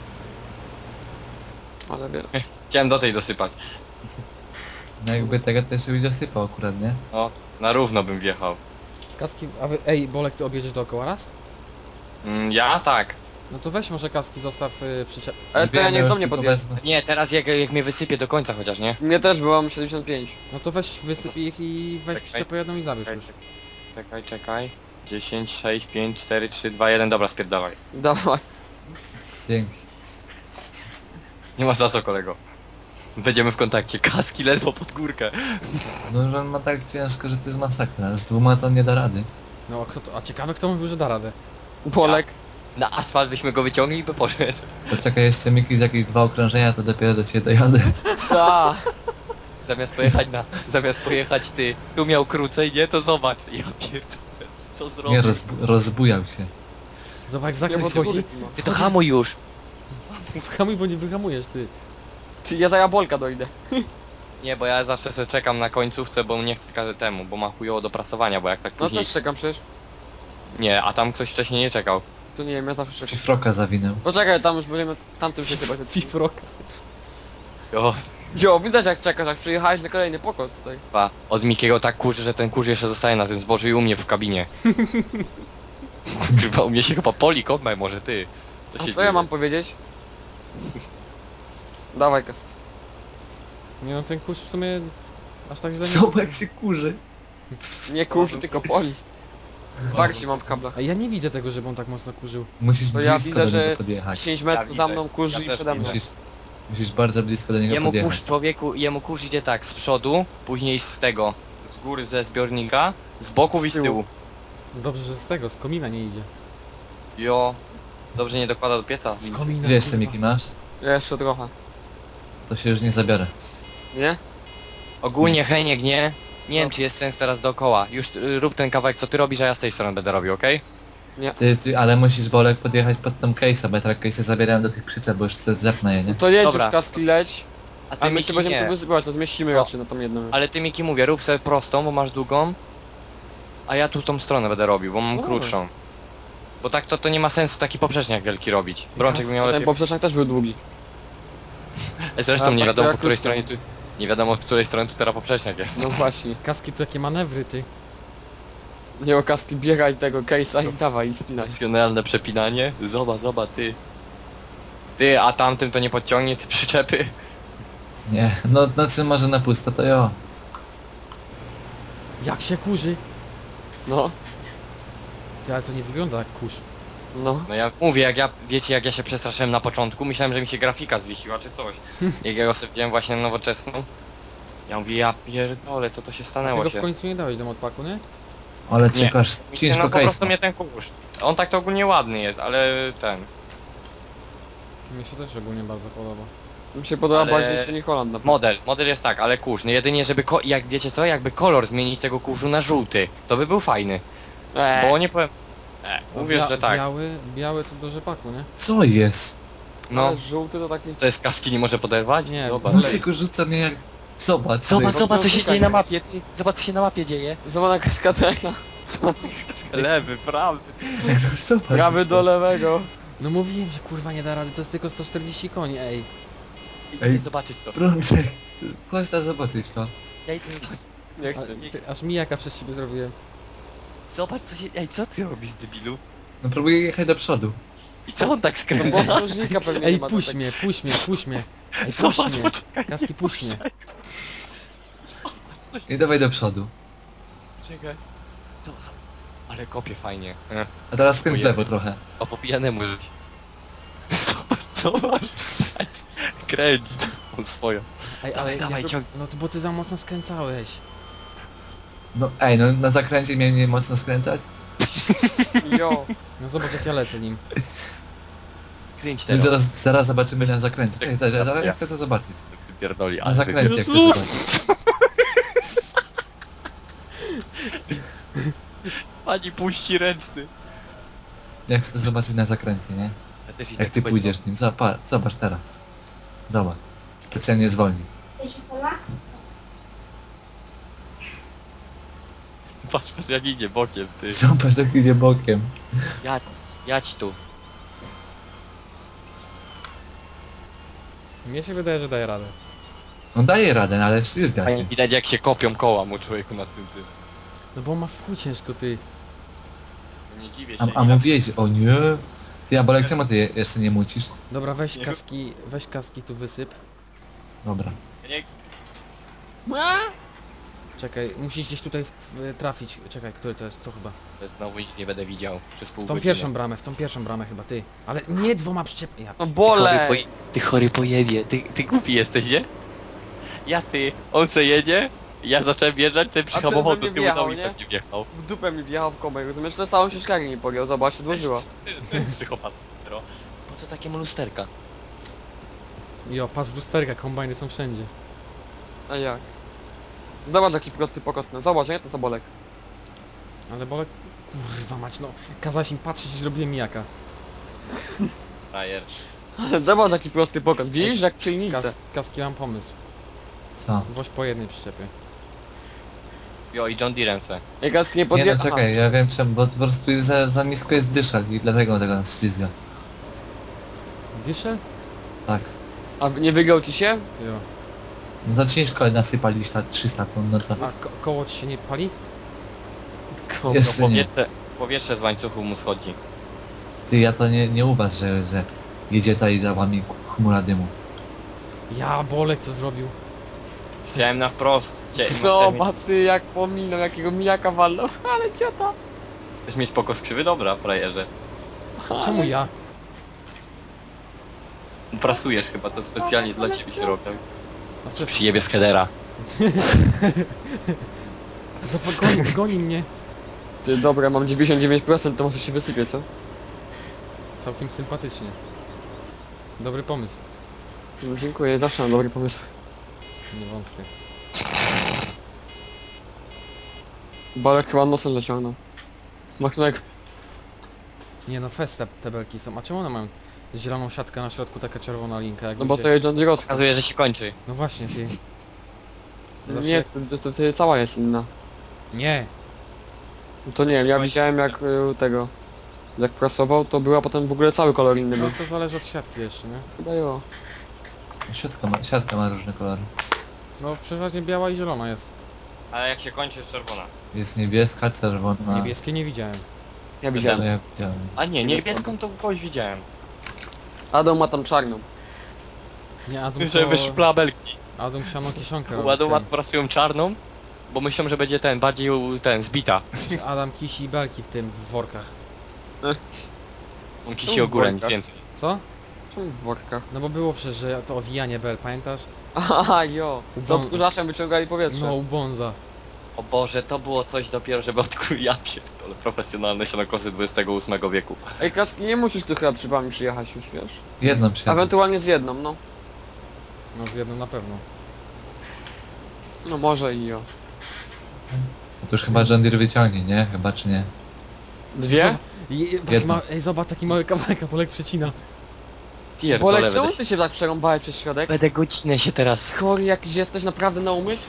[SPEAKER 2] Ale wiesz.
[SPEAKER 3] Chciałem do tej dosypać.
[SPEAKER 4] No jakby tego też byś dosypał akurat, nie?
[SPEAKER 3] No, na równo bym wjechał.
[SPEAKER 1] Kaski, a wy, ej, Bolek, ty objedziesz dookoła raz?
[SPEAKER 3] Ja tak.
[SPEAKER 1] No to weź może kaski, zostaw przyczep...
[SPEAKER 2] Ale to ja
[SPEAKER 4] Wiem,
[SPEAKER 2] niech do
[SPEAKER 4] już
[SPEAKER 2] mnie
[SPEAKER 4] tylko
[SPEAKER 2] podjedzie.
[SPEAKER 4] wezmę.
[SPEAKER 3] Nie, teraz jak mnie wysypie do końca chociaż, nie?
[SPEAKER 2] Mnie też było, mam 75.
[SPEAKER 1] No to weź wysypij ich i weź
[SPEAKER 3] Czekaj.
[SPEAKER 1] przyczepę jedną i zabierz już.
[SPEAKER 3] Czekaj, czekaj. 10, 6, 5, 4, 3, 2, 1, dobra, spierdawaj.
[SPEAKER 2] Dawaj.
[SPEAKER 4] Dzięki.
[SPEAKER 3] Nie ma za co, kolego. Będziemy w kontakcie. Kaski ledwo pod górkę.
[SPEAKER 4] No, że on ma tak ciężko, że to jest masakra. Z dwoma to on nie da rady.
[SPEAKER 1] No a kto to, a ciekawe kto mówił, że da radę.
[SPEAKER 2] Polek.
[SPEAKER 3] Na asfalt byśmy go wyciągli i by poszedł.
[SPEAKER 4] Poczekaj jeszcze Miki z jakieś 2 okrążenia, to dopiero do ciebie dojadę.
[SPEAKER 2] Ta.
[SPEAKER 3] Zamiast pojechać ty, tu miał krócej, nie? To zobacz. Ja pierdolę. Co zrobił?
[SPEAKER 4] Nie, rozbujał się.
[SPEAKER 1] Zobacz jak
[SPEAKER 2] Nie,
[SPEAKER 1] zakręt
[SPEAKER 2] bo to
[SPEAKER 1] wchodzi.
[SPEAKER 2] góry ma.
[SPEAKER 3] Ty to hamuj już.
[SPEAKER 1] Whamuj, bo nie wyhamujesz ty.
[SPEAKER 2] Ty, ja za Bolka dojdę.
[SPEAKER 3] Nie, bo ja zawsze sobie czekam na końcówce, bo nie chcę każdy temu, bo ma chujowo do prasowania, bo jak tak
[SPEAKER 2] No
[SPEAKER 3] później...
[SPEAKER 2] też czekam przecież.
[SPEAKER 3] Nie, a tam ktoś wcześniej nie czekał.
[SPEAKER 2] To nie wiem, ja zawsze czekam.
[SPEAKER 4] Fifroka zawinął.
[SPEAKER 2] Poczekaj, tam już będziemy tamtym się chyba.
[SPEAKER 1] Fifrok.
[SPEAKER 3] Jo,
[SPEAKER 2] Jo, widać jak czekasz, jak przyjechałeś na kolejny pokos tutaj.
[SPEAKER 3] pa. Od Mikiego tak kurzy, że ten kurz jeszcze zostaje na tym zbożu i u mnie w kabinie. Chyba u mnie się chyba poli kombaj, może ty.
[SPEAKER 2] A
[SPEAKER 3] się
[SPEAKER 2] co
[SPEAKER 3] dzieje?
[SPEAKER 2] ja mam powiedzieć? Dawaj kas.
[SPEAKER 1] Nie no ten kurz w sumie aż tak źle nie...
[SPEAKER 4] Co, jak się kurzy?
[SPEAKER 2] Nie kurzy, tylko poli. Zwarci mam w kablach.
[SPEAKER 1] A ja nie widzę tego, żeby on tak mocno kurzył.
[SPEAKER 4] Musisz
[SPEAKER 2] To ja
[SPEAKER 4] blisko
[SPEAKER 2] widzę,
[SPEAKER 4] do
[SPEAKER 2] że
[SPEAKER 4] niego podjechać.
[SPEAKER 2] 10 metrów
[SPEAKER 3] Ja
[SPEAKER 2] za
[SPEAKER 3] widzę.
[SPEAKER 2] mną kurzy
[SPEAKER 3] Ja
[SPEAKER 2] i
[SPEAKER 3] też
[SPEAKER 2] przede mną.
[SPEAKER 4] Musisz bardzo blisko do niego
[SPEAKER 3] Jemu
[SPEAKER 4] podjechać.
[SPEAKER 3] kurz, człowieku, jemu kurz idzie tak z przodu, później z tego, z góry ze zbiornika, Z boków i z tyłu.
[SPEAKER 1] Dobrze, że z tego, z komina nie idzie.
[SPEAKER 3] Jo. Dobrze nie dokłada do pieca.
[SPEAKER 1] Z komina,
[SPEAKER 4] Ile jeszcze
[SPEAKER 1] kurwa.
[SPEAKER 4] Miki masz?
[SPEAKER 2] Jeszcze trochę.
[SPEAKER 4] To się już nie zabiorę.
[SPEAKER 2] Nie?
[SPEAKER 3] Ogólnie Heniek, nie? Nie wiem czy jest sens teraz dookoła. Już rób ten kawałek co ty robisz, a ja z tej strony będę robił, okej?
[SPEAKER 4] Ale musisz Bolek podjechać pod tą case'a, bo ja tak case'y zabierałem do tych przyczep, bo już chcę zepnę je, nie?
[SPEAKER 2] To jedź
[SPEAKER 3] Dobra.
[SPEAKER 2] już Kaski leć.
[SPEAKER 3] A
[SPEAKER 2] A
[SPEAKER 3] ty
[SPEAKER 2] my się
[SPEAKER 3] Miki
[SPEAKER 2] będziemy
[SPEAKER 3] nie.
[SPEAKER 2] tu wysypać, to zmieścimy
[SPEAKER 3] No.
[SPEAKER 2] raczej na tą jedną już.
[SPEAKER 3] Ale ty Miki mówię, rób sobie prostą, bo masz długą. A ja tu tą stronę będę robił, bo mam
[SPEAKER 2] O.
[SPEAKER 3] krótszą. Bo tak to nie ma sensu taki poprzeczniak wielki robić. Brączek by miał
[SPEAKER 2] Ten
[SPEAKER 3] lepiej.
[SPEAKER 2] poprzecznik też był długi.
[SPEAKER 3] Zresztą
[SPEAKER 2] A,
[SPEAKER 3] nie
[SPEAKER 2] tak
[SPEAKER 3] wiadomo
[SPEAKER 2] to
[SPEAKER 3] po której
[SPEAKER 2] ja
[SPEAKER 3] stronie tu... Nie wiadomo od której strony tu teraz poprzeczniak jest.
[SPEAKER 2] No właśnie.
[SPEAKER 1] Kaski to jakie manewry, ty.
[SPEAKER 2] Nie o Kaski biegaj tego case'a i dawaj i spinaj.
[SPEAKER 3] Profesjonalne przepinanie. Zobacz, ty. Ty, a tamtym to nie podciągnie, ty przyczepy.
[SPEAKER 4] Nie, no znaczy może na pusto to jo.
[SPEAKER 1] Jak się kurzy?
[SPEAKER 2] No,
[SPEAKER 1] Ty, ale to nie wygląda jak kurz.
[SPEAKER 2] no.
[SPEAKER 3] No ja mówię, wiecie jak ja się przestraszyłem na początku, myślałem, że mi się grafika zwiesiła czy coś. Jak ja go sobie wziąłem właśnie na nowoczesną. Ja mówię, ja pierdolę, co to się stanęło
[SPEAKER 1] Tego w
[SPEAKER 3] się.
[SPEAKER 1] końcu nie dałeś do modpaku, nie?
[SPEAKER 4] Ale
[SPEAKER 3] Nie.
[SPEAKER 4] ciężko, ciężko
[SPEAKER 3] No po prostu
[SPEAKER 4] case'a.
[SPEAKER 3] mnie ten kurz. On tak to ogólnie ładny jest, ale ten.
[SPEAKER 1] Mi się też ogólnie bardzo podoba.
[SPEAKER 2] Mi się podoba
[SPEAKER 3] Ale-
[SPEAKER 2] bardziej jeszcze nie Holand na pewno.
[SPEAKER 3] Model jest tak, ale kurz. No jedynie żeby, jak wiecie co, jakby kolor zmienić tego kurzu na żółty, to by był fajny. Bo nie powiem... uwierz, że tak.
[SPEAKER 1] Biały to do rzepaku, nie?
[SPEAKER 4] Co jest?
[SPEAKER 3] No,
[SPEAKER 2] Ale żółty to taki...
[SPEAKER 3] to jest kaski nie może poderwać?
[SPEAKER 1] Nie,
[SPEAKER 3] Zobacz.
[SPEAKER 4] No
[SPEAKER 1] Lej.
[SPEAKER 4] się rzuca mnie jak... Zobacz.
[SPEAKER 3] Zobacz,
[SPEAKER 4] ty.
[SPEAKER 3] zobacz co się
[SPEAKER 2] szukaj.
[SPEAKER 3] dzieje na mapie, ty. Zobacz co się na mapie dzieje.
[SPEAKER 2] Zobacz kaskadera.
[SPEAKER 3] Lewy, prawy.
[SPEAKER 4] Zobacz.
[SPEAKER 2] Prawy do lewego.
[SPEAKER 1] No mówiłem, że kurwa nie da rady, to jest tylko 140 koni, ej.
[SPEAKER 4] Ej.
[SPEAKER 3] Zobaczyć to.
[SPEAKER 4] Brączek, chodź tam zobaczyć to.
[SPEAKER 3] Ja idę zobaczyć.
[SPEAKER 2] Nie
[SPEAKER 1] A,
[SPEAKER 2] chcę.
[SPEAKER 1] ty, aż mijaka przez ciebie zrobiłem.
[SPEAKER 3] Zobacz co się... Ej, co ty robisz, debilu?
[SPEAKER 4] No próbuję jechać do przodu.
[SPEAKER 3] I co on tak
[SPEAKER 2] No
[SPEAKER 3] skręca?
[SPEAKER 2] bo krążnika pewnie
[SPEAKER 1] Ej,
[SPEAKER 2] nie ma. to
[SPEAKER 1] puść
[SPEAKER 2] tak-
[SPEAKER 1] mnie, puść mnie, puść mnie. Ej, puść
[SPEAKER 3] Zobacz,
[SPEAKER 1] mnie.
[SPEAKER 3] poczekaj.
[SPEAKER 1] Kaski, puść mnie.
[SPEAKER 4] I dawaj do przodu.
[SPEAKER 3] Czekaj. Zobacz. Ale kopie fajnie.
[SPEAKER 4] A teraz skręć w
[SPEAKER 3] Ojej.
[SPEAKER 4] lewo trochę.
[SPEAKER 3] O po pijanemu żyć. Zobacz. Kręć. On swoją.
[SPEAKER 1] Ej, ale
[SPEAKER 3] Dawaj,
[SPEAKER 1] ja,
[SPEAKER 3] ciąg-
[SPEAKER 1] no to bo ty za mocno skręcałeś.
[SPEAKER 4] No ej, no na zakręcie miałem nie mocno skręcać?
[SPEAKER 2] Jo.
[SPEAKER 1] No zobacz jak ja lecę nim.
[SPEAKER 3] Kręć
[SPEAKER 4] No i
[SPEAKER 3] teraz.
[SPEAKER 4] zaraz zobaczymy na zakręcie. Czekaj, zaraz ja chcę to zobaczyć.
[SPEAKER 3] Pierdoli,
[SPEAKER 4] Na
[SPEAKER 3] ale
[SPEAKER 4] zakręcie chcę
[SPEAKER 3] Jezu!
[SPEAKER 4] zobaczyć.
[SPEAKER 3] Pani puści ręczny.
[SPEAKER 4] Ja chcę to zobaczyć na zakręcie, nie?
[SPEAKER 3] Ja też i
[SPEAKER 4] Jak
[SPEAKER 3] tak
[SPEAKER 4] ty
[SPEAKER 3] będzie-
[SPEAKER 4] pójdziesz nim. Zobacz teraz. Zobacz. Specjalnie zwolni.
[SPEAKER 3] Patrz, jak idzie bokiem, ty.
[SPEAKER 4] Zobacz jak idzie bokiem.
[SPEAKER 3] Jadź tu.
[SPEAKER 1] Mnie się wydaje, że daje radę.
[SPEAKER 4] No daje radę, no ale ślizga
[SPEAKER 3] Fajnie
[SPEAKER 4] się.
[SPEAKER 3] widać jak się kopią koła mu człowieku na tym tym.
[SPEAKER 1] No bo ma w chuj ciężko, ty.
[SPEAKER 3] Nie dziwię się.
[SPEAKER 4] A mówiłeś, o nie. Ty, a Bolek, czemu ty jeszcze nie mucisz?
[SPEAKER 1] Dobra,
[SPEAKER 3] Nie.
[SPEAKER 1] weź kaski tu wysyp.
[SPEAKER 3] Ja
[SPEAKER 4] Dobra.
[SPEAKER 3] nie...
[SPEAKER 1] Czekaj, musisz gdzieś tutaj trafić. Czekaj, który to jest? To chyba.
[SPEAKER 3] Znowu nic nie będę widział przez pół
[SPEAKER 1] W tą pierwszą bramę chyba, ty. Ale nie dwoma przyczep... Ja.
[SPEAKER 2] No bole.
[SPEAKER 3] Ty chory pojebie, ty głupi jesteś, nie? Ja ty, on se jedzie, ja zacząłem wjeżdżać, ten
[SPEAKER 2] A
[SPEAKER 3] przyhamował
[SPEAKER 2] ten
[SPEAKER 3] do
[SPEAKER 2] we mnie
[SPEAKER 3] tyłu,
[SPEAKER 2] wjechał,
[SPEAKER 3] no i
[SPEAKER 2] nie?
[SPEAKER 3] pewnie wjechał.
[SPEAKER 2] W dupę mi wjechał w kombajn, rozumiesz? To całą się szklarnię nie pogiął, zobacz, się złożyła.
[SPEAKER 3] Psychopat. Po co takiemu lusterka?
[SPEAKER 1] Jo, patrz w lusterka, kombajny są wszędzie.
[SPEAKER 2] A jak? Zobacz jaki prosty pokos, no zobacz, nie? To co Bolek.
[SPEAKER 1] Ale bolek... Kurwa mać, no. Kazałeś im patrzeć i zrobiłem mijaka.
[SPEAKER 3] Frajer.
[SPEAKER 2] Zobacz jaki prosty pokos, widzisz jak przy linijce.
[SPEAKER 1] Kaski, mam pomysł.
[SPEAKER 4] Co?
[SPEAKER 1] Woź po jednej przyczepie.
[SPEAKER 3] Jo i John Deerem se.
[SPEAKER 2] Jak Kask nie
[SPEAKER 4] Nie
[SPEAKER 2] podje...
[SPEAKER 4] no czekaj, ja wiem czemu, bo po prostu jest za nisko jest dyszal i dlatego tego nas ślizga.
[SPEAKER 1] Dyszę?
[SPEAKER 4] Tak.
[SPEAKER 2] A nie wygrał ci się?
[SPEAKER 1] Jo.
[SPEAKER 4] No za ciężko nasypaliś na 300 ton, no to...
[SPEAKER 1] A koło ci się nie pali?
[SPEAKER 4] Jeszcze nie.
[SPEAKER 3] Powietrze z łańcuchu mu schodzi.
[SPEAKER 4] Ty, ja to nie uważ, że jedzie ta i za wami chmura dymu.
[SPEAKER 1] Ja, bolek co zrobił?
[SPEAKER 3] Chciałem na wprost.
[SPEAKER 2] Zobacz ty jak pominął, jakiego mijaka walnął. Ale ciota.
[SPEAKER 3] Chcesz mieć spoko skrzywy? Dobra, frajerze.
[SPEAKER 1] Czemu ja?
[SPEAKER 3] Prasujesz chyba, to specjalnie dla ciebie się robią. A co przyjebie z headera?
[SPEAKER 1] Zobacz, goni mnie.
[SPEAKER 2] Ty, dobra, mam 99%, to może się wysypie, co?
[SPEAKER 1] Całkiem sympatycznie. Dobry pomysł.
[SPEAKER 2] No, dziękuję, zawsze mam dobry pomysł.
[SPEAKER 1] Nie wątpię.
[SPEAKER 2] Bolek chyba nosem dociągnął. Machnek,
[SPEAKER 1] Nie no, fest te belki są. A czemu one mają zieloną siatkę na środku, taka czerwona linka? Jak
[SPEAKER 2] no bo to jest John Deere'owska.
[SPEAKER 3] Pokazuje, że się kończy.
[SPEAKER 1] No właśnie, ty. Zawsze-
[SPEAKER 2] Nie, to cała jest inna.
[SPEAKER 1] Nie.
[SPEAKER 2] No to nie wiem, ja widziałem jak tego... Jak prasował, to była potem w ogóle cały kolor inny
[SPEAKER 1] No
[SPEAKER 2] był.
[SPEAKER 1] to zależy od siatki jeszcze, nie?
[SPEAKER 2] Chyba jo.
[SPEAKER 4] Siatka ma różne kolory.
[SPEAKER 1] No przeważnie biała i zielona jest.
[SPEAKER 3] Ale jak się kończy, jest czerwona.
[SPEAKER 4] Jest niebieska, czerwona.
[SPEAKER 1] Niebieskie nie widziałem.
[SPEAKER 2] Ja
[SPEAKER 4] To
[SPEAKER 2] widziałem.
[SPEAKER 4] ja widziałem.
[SPEAKER 3] A nie, niebieską to kogoś widziałem.
[SPEAKER 2] Adam ma tam czarną.
[SPEAKER 1] Nie, Adam
[SPEAKER 3] Żeby
[SPEAKER 1] to...
[SPEAKER 3] szpla belki.
[SPEAKER 1] Adam siano kiszonkę robi w
[SPEAKER 3] Ładą
[SPEAKER 1] tym.
[SPEAKER 3] prasują czarną, bo myślą, że będzie ten, bardziej zbita.
[SPEAKER 1] Przecież Adam kisi belki w tym, w workach.
[SPEAKER 3] On
[SPEAKER 2] Czemu
[SPEAKER 3] kisi ogóle, nic
[SPEAKER 2] worka?
[SPEAKER 3] więcej.
[SPEAKER 1] Co?
[SPEAKER 2] Czemu w workach?
[SPEAKER 1] No bo było przecież, że to owijanie bel, pamiętasz?
[SPEAKER 2] Aha, jo. Z
[SPEAKER 1] Ubą-
[SPEAKER 2] odkurzaczem wyciągali powietrze.
[SPEAKER 1] No, u Bonza.
[SPEAKER 3] O Boże, to było coś dopiero, żeby odkryć, ja pierdolę, profesjonalne sianokosy XXVIII wieku.
[SPEAKER 2] Ej, Kaski, nie musisz tu chyba przybami przyjechać już, wiesz?
[SPEAKER 4] Jedną przyjadę.
[SPEAKER 2] Ewentualnie z jedną, no.
[SPEAKER 1] No z jedną na pewno.
[SPEAKER 2] No może i jo.
[SPEAKER 4] To już chyba John Deere wyciągnie, nie? Chyba czy nie?
[SPEAKER 2] Dwie?
[SPEAKER 1] Taki
[SPEAKER 4] Jedno.
[SPEAKER 1] ej, zobacz, taki mały kawałek, a Polek przecina.
[SPEAKER 3] Pierdolę,
[SPEAKER 2] Bolek, czemu
[SPEAKER 3] będę,
[SPEAKER 2] ty się tak przerąbałeś przez środek?
[SPEAKER 3] będę godzinę się teraz...
[SPEAKER 2] Chory jakiś jesteś naprawdę na umysł?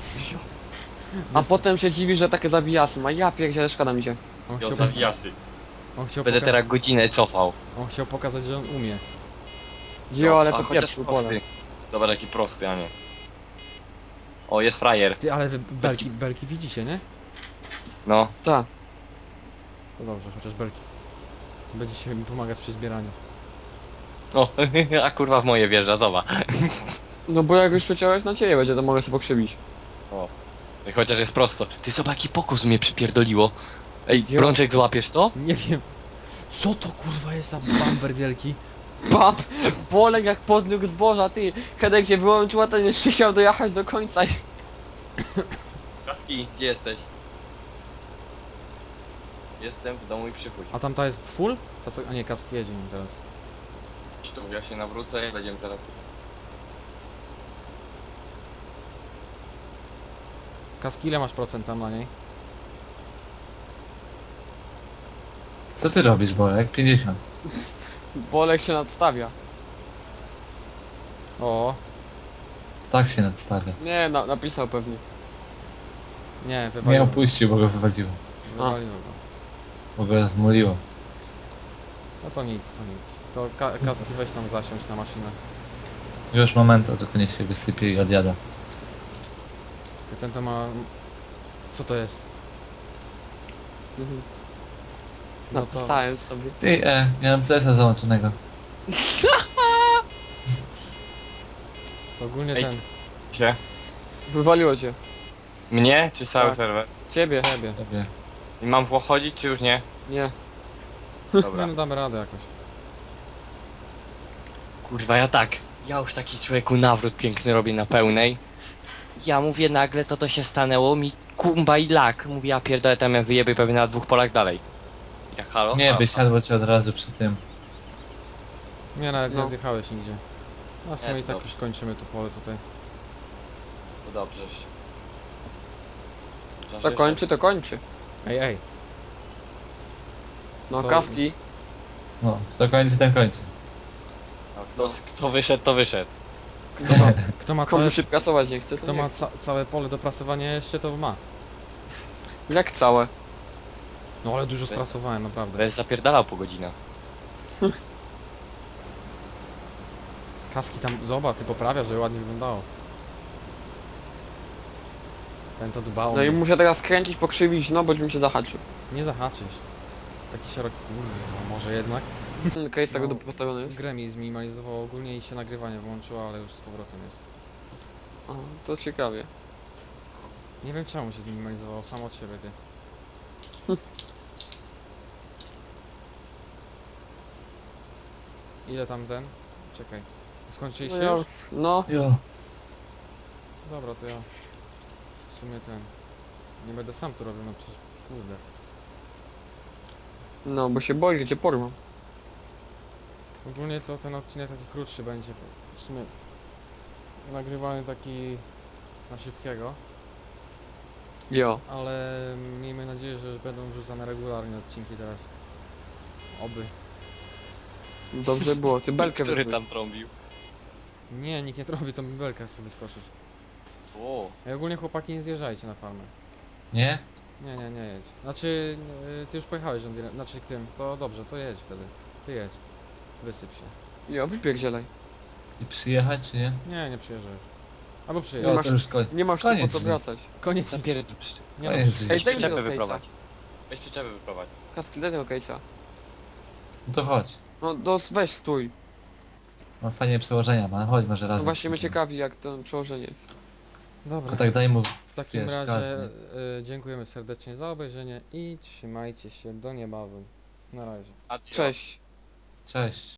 [SPEAKER 2] A potem się dziwi, że takie zabijasy ma. Ja pierdzielę, szkoda mi cię.
[SPEAKER 1] On
[SPEAKER 3] Jo,
[SPEAKER 1] chciał,
[SPEAKER 3] zawijasy.
[SPEAKER 1] on chciał,
[SPEAKER 3] Będę teraz godzinę cofał.
[SPEAKER 1] on chciał pokazać, że on umie.
[SPEAKER 2] Jo, ale
[SPEAKER 3] a
[SPEAKER 2] po
[SPEAKER 3] chociaż
[SPEAKER 2] pieprzu,
[SPEAKER 3] prosty.
[SPEAKER 2] pole.
[SPEAKER 3] Dobra, taki prosty, a nie. O, jest frajer.
[SPEAKER 1] Ty, ale wy belki widzicie, nie?
[SPEAKER 3] No.
[SPEAKER 2] Ta.
[SPEAKER 1] No dobrze, chociaż belki. Będziecie mi pomagać przy zbieraniu.
[SPEAKER 3] O, a kurwa w moje wjeżdża, zobacz.
[SPEAKER 2] No bo jak już przeciąłeś na ciebie będzie, to mogę sobie pokrzywić.
[SPEAKER 3] O. I chociaż jest prosto. Ty zobacz, jaki pokus mnie przypierdoliło. Ej,
[SPEAKER 2] Jo.
[SPEAKER 3] Brączek, złapiesz to?
[SPEAKER 1] Nie wiem. Co to kurwa jest za bamber wielki?
[SPEAKER 2] Pap! Bolek jak podlógł zboża, ty! Hedek się wyłączyła, ten jeszcze chciał dojechać do końca i...
[SPEAKER 3] Kaski, gdzie jesteś? Jestem w domu i przychodź.
[SPEAKER 1] A tamta jest full? Ta co... A nie, kaski jedzie nim teraz.
[SPEAKER 3] Tu ja się nawrócę i będziemy teraz...
[SPEAKER 1] Kaski, ile masz procent tam na niej?
[SPEAKER 4] Co ty robisz, Bolek? 50.
[SPEAKER 2] Bolek się nadstawia.
[SPEAKER 1] O,
[SPEAKER 4] Tak się nadstawia.
[SPEAKER 2] Nie, napisał pewnie.
[SPEAKER 1] nie,
[SPEAKER 4] Nie
[SPEAKER 1] wywaliło.
[SPEAKER 4] opuścił, bo go wywaliło.
[SPEAKER 1] Wywaliło go.
[SPEAKER 4] Bo go zmuliło.
[SPEAKER 1] No to nic, to nic. To kaski weź tam zasiąść na maszynę.
[SPEAKER 4] Już momentu, tylko niech się wysypie i odjada.
[SPEAKER 1] I ten to ma... Co to jest? No to...
[SPEAKER 2] Napisałem sobie.
[SPEAKER 4] Ty, miałem CS-a załączonego.
[SPEAKER 1] To ogólnie
[SPEAKER 3] Ej,
[SPEAKER 1] ten...
[SPEAKER 3] Się?
[SPEAKER 2] Wywaliło cię.
[SPEAKER 3] Mnie, czy cały
[SPEAKER 2] Tak.
[SPEAKER 3] serwer?
[SPEAKER 2] Ciebie.
[SPEAKER 1] Ciebie.
[SPEAKER 4] Tobie.
[SPEAKER 3] I mam chodzić, czy już nie?
[SPEAKER 2] Nie.
[SPEAKER 1] Nie
[SPEAKER 3] Dobra.
[SPEAKER 1] no, damy radę jakoś.
[SPEAKER 3] Kurwa, ja tak. Ja już taki człowieku nawrót piękny robię na pełnej. Ja mówię nagle, co to się stanęło, mi kumba i lak. Mówię, ja pierdolę, tam ja wyjebie pewnie na 2 polach dalej. I tak halo?
[SPEAKER 4] Nie,
[SPEAKER 3] Halo?
[SPEAKER 4] wysiadło cię od razu przy tym.
[SPEAKER 1] Nie, nawet nie
[SPEAKER 2] No.
[SPEAKER 1] odjechałeś nigdzie. No w sumie
[SPEAKER 3] Nie,
[SPEAKER 1] i
[SPEAKER 3] to
[SPEAKER 1] tak
[SPEAKER 3] dobrze.
[SPEAKER 1] już kończymy to pole tutaj.
[SPEAKER 3] To dobrze.
[SPEAKER 2] To kończy, to kończy.
[SPEAKER 1] Ej, ej.
[SPEAKER 2] No,
[SPEAKER 1] To-
[SPEAKER 2] Kaski.
[SPEAKER 4] No, kto kończy, ten kończy.
[SPEAKER 3] Kto wyszedł, to wyszedł.
[SPEAKER 1] Kto ma
[SPEAKER 2] Komu
[SPEAKER 1] całe,
[SPEAKER 2] się pracować nie chce, to
[SPEAKER 1] kto
[SPEAKER 2] nie
[SPEAKER 1] ma
[SPEAKER 2] chce.
[SPEAKER 1] całe pole do prasowania jeszcze, to ma.
[SPEAKER 2] Jak całe?
[SPEAKER 1] No ale dużo sprasowałem, naprawdę.
[SPEAKER 3] Będę zapierdalał po godzinach.
[SPEAKER 1] Kaski tam, zobacz, ty poprawiasz, żeby ładnie wyglądało. Ten to dbał.
[SPEAKER 2] No i muszę teraz kręcić, pokrzywić, no bo mi się zahaczył.
[SPEAKER 1] Nie zahaczysz. Taki szeroki... Kurwa, może jednak.
[SPEAKER 2] Case tego
[SPEAKER 1] No.
[SPEAKER 2] postawiony jest.
[SPEAKER 1] Grę mi zminimalizowało ogólnie i się nagrywanie włączyło, ale już z powrotem jest.
[SPEAKER 2] O, to ciekawie.
[SPEAKER 1] Nie wiem czemu się zminimalizowało, sam od siebie ty. Ile tam ten? Czekaj. Skończyliście
[SPEAKER 2] No, ja
[SPEAKER 1] już?
[SPEAKER 2] już, no.
[SPEAKER 4] Jo.
[SPEAKER 1] Dobra, to ja... W sumie ten... Nie będę sam tu robił, no przecież kurde.
[SPEAKER 2] No, bo się boję, że cię porwą.
[SPEAKER 1] Ogólnie to ten odcinek taki krótszy będzie. W sumie nagrywany taki na szybkiego,
[SPEAKER 2] Jo.
[SPEAKER 1] ale miejmy nadzieję, że będą wrzucane regularnie odcinki teraz. Oby.
[SPEAKER 2] Dobrze było, ty belkę
[SPEAKER 3] Który
[SPEAKER 2] wypluj.
[SPEAKER 3] tam trąbił?
[SPEAKER 1] Nie, nikt nie robi, to mi belka chce wyskoczyć.
[SPEAKER 3] O,
[SPEAKER 1] Ej, ogólnie chłopaki nie zjeżdżajcie na farmę.
[SPEAKER 4] Nie?
[SPEAKER 1] Nie jedź. Znaczy, ty już pojechałeś John Deere, znaczy tym, to dobrze, to jedź wtedy. Ty jedź. Wysyp się.
[SPEAKER 2] Jo, wypierdzielaj.
[SPEAKER 4] I przyjechać, czy nie?
[SPEAKER 1] Nie przyjeżdżasz. Albo
[SPEAKER 2] Nie
[SPEAKER 1] przyjedź.
[SPEAKER 4] O,
[SPEAKER 2] masz-
[SPEAKER 4] to już
[SPEAKER 2] Nie masz tu po
[SPEAKER 4] koniec
[SPEAKER 2] co
[SPEAKER 4] dnia.
[SPEAKER 2] wracać.
[SPEAKER 1] Koniec.
[SPEAKER 3] zapierdol.
[SPEAKER 1] Nie
[SPEAKER 4] Koniec
[SPEAKER 1] no,
[SPEAKER 4] dnia.
[SPEAKER 2] Ej, daj mi
[SPEAKER 3] Przyczepy
[SPEAKER 2] tego case'a.
[SPEAKER 3] wyprowadź. Weź przyczepy wyprowadź.
[SPEAKER 2] Kaski, daj tego case'a.
[SPEAKER 4] No to chodź.
[SPEAKER 2] No, weź stój.
[SPEAKER 4] Mam fajnie przełożenia, man. Chodź może
[SPEAKER 2] No
[SPEAKER 4] razem.
[SPEAKER 2] właśnie mnie
[SPEAKER 4] pójdziemy.
[SPEAKER 2] ciekawi, jak to przełożenie jest.
[SPEAKER 1] dobra.
[SPEAKER 4] Tylko tak daj mu,
[SPEAKER 1] W takim
[SPEAKER 4] wiesz,
[SPEAKER 1] razie
[SPEAKER 4] gaz,
[SPEAKER 1] dziękujemy serdecznie za obejrzenie i trzymajcie się do niebawem. Na razie.
[SPEAKER 3] Adios.
[SPEAKER 2] Cześć.
[SPEAKER 4] Cześć.